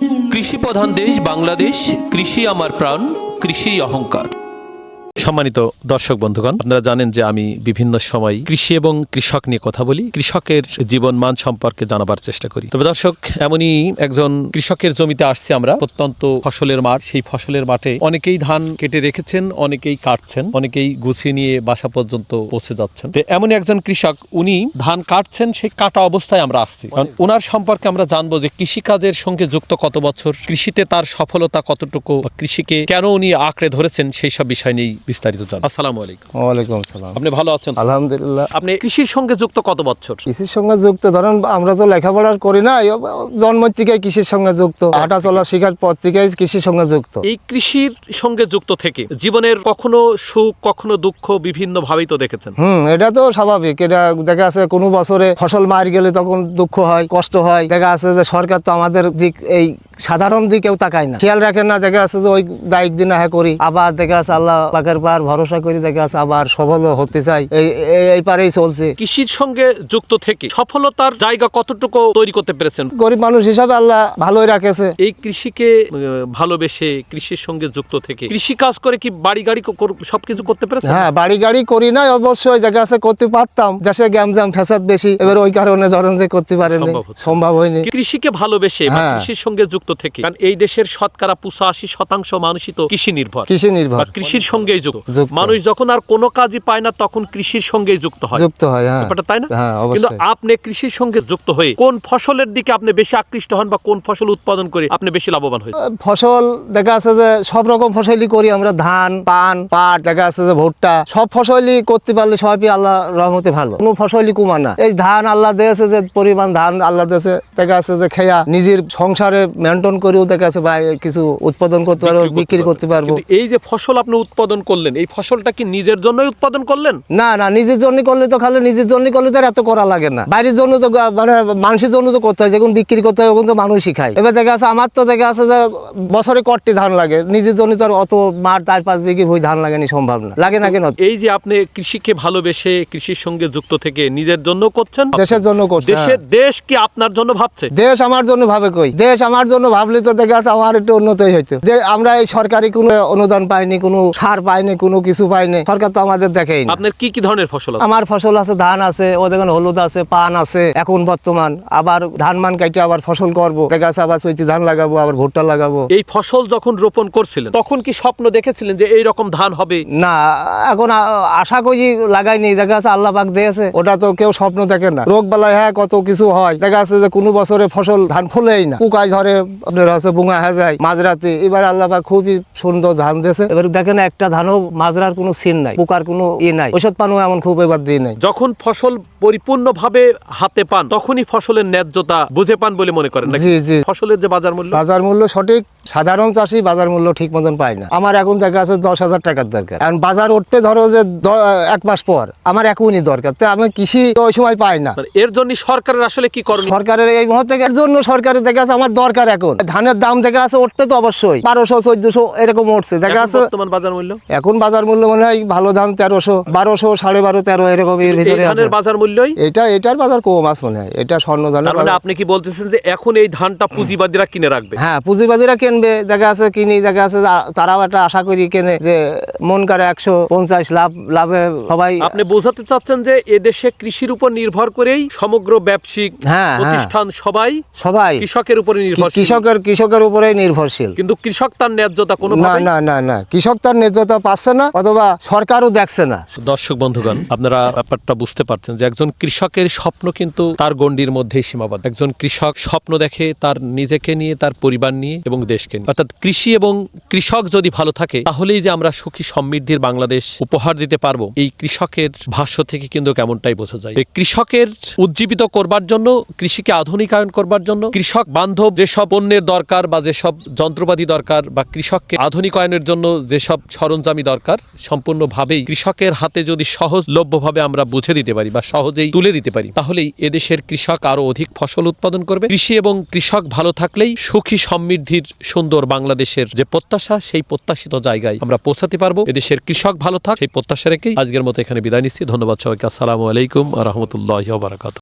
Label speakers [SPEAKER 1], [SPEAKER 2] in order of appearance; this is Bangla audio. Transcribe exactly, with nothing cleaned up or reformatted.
[SPEAKER 1] কৃষি প্রধান দেশ বাংলাদেশ, কৃষি আমার প্রাণ, কৃষি অহংকার। সম্মানিত দর্শক বন্ধুগণ, আপনারা জানেন যে আমি বিভিন্ন সময় কৃষি এবং কৃষক নিয়ে কথা বলি, কৃষকের জীবন মান সম্পর্কে জানাবার চেষ্টা করি। তবে দর্শক, এমনই একজন কৃষকের জমিতে আসছি আমরা। প্রত্যন্ত ফসলের মাঠ, সেই ফসলের মাঠে অনেকেই ধান কেটে রেখেছেন, অনেকেই কাটছেন, অনেকেই গুছিয়ে নিয়ে বাসা পর্যন্ত পৌঁছে যাচ্ছেন। এমনই একজন কৃষক, উনি ধান কাটছেন, সেই কাটা অবস্থায় আমরা আসছি। কারণ ওনার সম্পর্কে আমরা জানবো যে কৃষিকাজের সঙ্গে যুক্ত কত বছর, কৃষিতে তার সফলতা কতটুকু, কৃষিকে কেন উনি আঁকড়ে ধরেছেন, সেই সব বিষয় নিয়েই বিস্তারিত জানবো। আসসালামু আলাইকুম।
[SPEAKER 2] ওয়ালাইকুম আসসালাম।
[SPEAKER 1] আপনি ভালো আছেন?
[SPEAKER 2] আলহামদুলিল্লাহ।
[SPEAKER 1] আপনি কৃষির সঙ্গে যুক্ত কত বছর?
[SPEAKER 2] কৃষির সঙ্গে যুক্ত ধরেন আমরা তো লেখাপড়া করি না, জন্ম থেকে কৃষির সঙ্গে যুক্ত, হাঁটা চলা শেখার পর থেকে কৃষির সঙ্গে যুক্ত।
[SPEAKER 1] এই কৃষির সঙ্গে যুক্ত থেকে জীবনের কখনো সুখ কখনো দুঃখ বিভিন্ন ভাবেই তো দেখেছেন।
[SPEAKER 2] হুম এটা তো স্বাভাবিক। এটা দেখা আছে কোনো বছরে ফসল মার গেলে তখন দুঃখ হয়, কষ্ট হয়। দেখা আছে যে সরকার তো আমাদের দিক এই সাধারণ দিকেও তাকায় না, খেয়াল রাখেন না। দেখা আছে যে ওই দায়িক দিন হ্যাঁ করি, আবার দেখা আছে আল্লাহ পাকের পার ভরসা করি, দেখা আছে আবার সফল হতে চাই, এই এই পারেই চলছে।
[SPEAKER 1] কৃষির সঙ্গে যুক্ত থেকে সফলতার জায়গা কতটুকু তৈরি করতে পেরেছেন?
[SPEAKER 2] গরিব মানুষ হিসাবে আল্লাহ ভালোই রাখেছে।
[SPEAKER 1] এই কৃষিকে ভালোবেসে কৃষির সঙ্গে যুক্ত থেকে কৃষি কাজ করে কি বাড়ি গাড়ি সবকিছু করতে পেরেছেন?
[SPEAKER 2] হ্যাঁ, বাড়ি গাড়ি করি নাই অবশ্যই, দেখা আছে করতে পারতাম, দেশে গ্যামজাম ফ্যাসাদ বেশি, এবার ওই কারণে ধরেন যে করতে পারেনি, সম্ভব হয়নি।
[SPEAKER 1] কৃষিকে ভালোবেসে বা কৃষির সঙ্গে যুক্ত থেকে, কারণ এই দেশের শতকরা পঁচাশি শতাংশ মানুষই তো কৃষি নির্ভর,
[SPEAKER 2] কৃষি নির্ভর,
[SPEAKER 1] কৃষির সঙ্গেই যুক্ত। মানুষ যখন আর কোনো কাজই পায় না তখন কৃষির সঙ্গেই যুক্ত হয়,
[SPEAKER 2] যুক্ত হয়। হ্যাঁ,
[SPEAKER 1] তাই না?
[SPEAKER 2] হ্যাঁ,
[SPEAKER 1] কিন্তু আপনি কৃষির সঙ্গে যুক্ত হয়ে কোন ফসলের দিকে আপনি বেশি আকৃষ্ট হন বা কোন ফসল উৎপাদন করে আপনি বেশি লাভবান হন?
[SPEAKER 2] ফসল দেখা আছে যে সব রকম ফসলই করি আমরা, ধান, পান, পাট, দেখা আছে যে ভুট্টা, সব ফসলই করতে পারলে সবই আল্লাহ রহমতে ভালো, কোনো ফসলই কমা না। এই ধান আল্লাহ দিয়েছে যে পরিমাণ ধান আল্লাহ দিয়েছে, দেখা আছে যে খেয়া নিজের সংসারে মেনটেন করেও দেখা আছে বা কিছু উৎপাদন করতে পারবো, বিক্রি করতে পারবো।
[SPEAKER 1] এই যে ফসল আপনি উৎপাদন করলেন, এই ফসলটা কি নিজের জন্যই উৎপাদন করলেন?
[SPEAKER 2] না না, নিজের জন্য করলে তো খালি নিজের জন্য করলে তো এত করা লাগে না, বাইরের জন্য তো মানে মানুষের জন্য তো করতে হয়, যখন বিক্রি করতে হয় তখন তো মানুষই খায়। এবার দেখা আছে আমার তো দেখা আছে যে বছরে কটটি ধান লাগে, নিজের জন্য তো আর অত মাঠ চার পাঁচ বিঘি ভুই ধান লাগানি সম্ভব না, লাগে না কেন?
[SPEAKER 1] এই যে আপনি কৃষিকে ভালোবেসে কৃষির সঙ্গে যুক্ত থেকে নিজের জন্য করছেন,
[SPEAKER 2] দেশের জন্য করছেন।
[SPEAKER 1] দেশের দেশ কি আপনার জন্য ভাবছে?
[SPEAKER 2] দেশ আমার জন্য ভাবে কই, দেশ আমার জন্য ভাবলে তো দেখা আছে আমার একটু উন্নতই হইতো। আমরা এই সরকারি কোনো অনুদান পাইনি, কোনো সার পাইনি, কোনো কিছু পাইনি, সরকার তো আমাদের দেখেই না।
[SPEAKER 1] আপনার কি কি ধরনের ফসল?
[SPEAKER 2] আমার ফসল আছে, ধান আছে, ও দেখেন হলুদ আছে, পান আছে এখন বর্তমান, আবার ধান মান কাটে আবার ফসল করবো, দেখা আছে আবার চৈতি ধান লাগাবো, আবার ভুট্টা লাগাবো।
[SPEAKER 1] এই ফসল যখন রোপণ করছিলেন তখন কি স্বপ্ন দেখেছিলেন যে এই রকম ধান হবে?
[SPEAKER 2] না, এখন আশা করি লাগাইনি, দেখা আছে আল্লাহ পাক দিয়েছে, ওটা তো কেউ স্বপ্ন দেখে না। রোগ বালাই হ্যাঁ কত কিছু হয়, দেখা আছে যে কোনো বছরে ফসল ধান ফুলেই না, পোকায় ধরে, আপনার হচ্ছে বুঙা হয়ে যায় মাঝরাতে। এবার আল্লাহ পাক খুবই সুন্দর ধান দিয়েছে, এবার দেখেন একটা ধানও মাজরার কোনো সিন নাই, পোকার কোনো ই নাই, ওষুধ পানও এমন খুব এবার দিয়ে নাই।
[SPEAKER 1] যখন ফসল পরিপূর্ণভাবে হাতে পান তখনই ফসলের ন্যায্যতা বুঝে পান বলে মনে করেন?
[SPEAKER 2] জি জি।
[SPEAKER 1] ফসলের যে বাজার মূল্য,
[SPEAKER 2] বাজার মূল্য সঠিক, সাধারণ চাষি বাজার মূল্য ঠিক মতন পায় না। আমার এখন দেখা আছে দশ হাজার টাকার দরকার, এখন বাজার উঠবে ধরো যে এক মাস পর, আমার এখনই দরকার, তো আমি কৃষি ওই সময় পাই না।
[SPEAKER 1] এর জন্য সরকারের আসলে কি করণীয়?
[SPEAKER 2] সরকারের এই মুহূর্তে এর জন্য সরকারের দেখা আছে আমার দরকার, এখন ধানের দাম দেখা আছে উঠতে তো অবশ্যই বারোশো চোদ্দশো এরকম উঠছে, দেখা আছে
[SPEAKER 1] বর্তমান বাজার মূল্য।
[SPEAKER 2] এখন বাজার মূল্য মনে হয় ভালো ধান তেরোশো, বারোশো, সাড়ে বারো, তেরো এরকম এর ভিতরে আছে
[SPEAKER 1] বাজার মূল্যই।
[SPEAKER 2] এটা এটার বাজার কম আছে মনে হয়, এটা স্বর্ণ ধানের।
[SPEAKER 1] মানে আপনি কি বলতেছেন যে এখন এই ধানটা পুঁজিবাদীরা কিনে রাখবে?
[SPEAKER 2] হ্যাঁ, পুঁজিবাদীরা কিনবে, দেখা আছে কিনি, দেখা আছে তারাও একটা আশা করি কেনে যে মন করে একশো পঞ্চাশ লাভ লাভে সবাই।
[SPEAKER 1] আপনি বোঝাতে চাচ্ছেন যে এদেশে কৃষির উপর নির্ভর করেই সমগ্র ব্যবসায়িক প্রতিষ্ঠান সবাই সবাই কৃষকের উপরে নির্ভরশীল,
[SPEAKER 2] কৃষকের কৃষকের উপরে নির্ভরশীল।
[SPEAKER 1] কিন্তু কৃষক তার ন্যায্যতা কোনো
[SPEAKER 2] না না না না কৃষক তার ন্যায্যতা পাচ্ছে না, অথবা সরকারও দেখছে না।
[SPEAKER 1] দর্শক বন্ধুগণ, আপনারা ব্যাপারটা বুঝতে পারছেন যে একজন কৃষকের স্বপ্ন কিন্তু তার গণ্ডির মধ্যেই সীমাবদ্ধ। একজন কৃষক স্বপ্ন দেখে তার নিজেকে নিয়ে, তার পরিবার নিয়ে এবং দেশকে নিয়ে। অর্থাৎ কৃষি এবং কৃষক যদি ভালো থাকে তাহলেই যে আমরা সুখী সমৃদ্ধির বাংলাদেশ উপহার দিতে পারবো, এই কৃষকের ভাষ্য থেকে কিন্তু কেমনটাই বোঝা যায়। কৃষকের উজ্জীবিত করবার জন্য, কৃষিকে আধুনিকায়ন করবার জন্য, কৃষক বান্ধব যেসব পণ্যের দরকার বা যেসব যন্ত্রপাতি দরকার বা কৃষককে আধুনিকায়নের জন্য যেসব সরঞ্জামি দরকার, সম্পূর্ণভাবেই কৃষকের হাতে যদি সহজলভ্যভাবে আমরা বুঝে দিতে পারি বা সহজেই তুলে দিতে পারি, তাহলেই এদেশের কৃষক আরো অধিক ফসল উৎপাদন করবে। কৃষি এবং কৃষক ভালো থাকলেই সুখী সমৃদ্ধির সুন্দর বাংলাদেশের যে প্রত্যাশা, সেই প্রত্যাশিত জায়গায় আমরা পৌঁছাতে পারবো। এদেশের কৃষক ভালো থাক, সেই প্রত্যাশা রেখেই আজকের মতো এখানে বিদায় নিচ্ছি। ধন্যবাদ সবাইকে। আসসালামু আলাইকুম ওয়া রাহমাতুল্লাহি ওয়া বারাকাতুহু।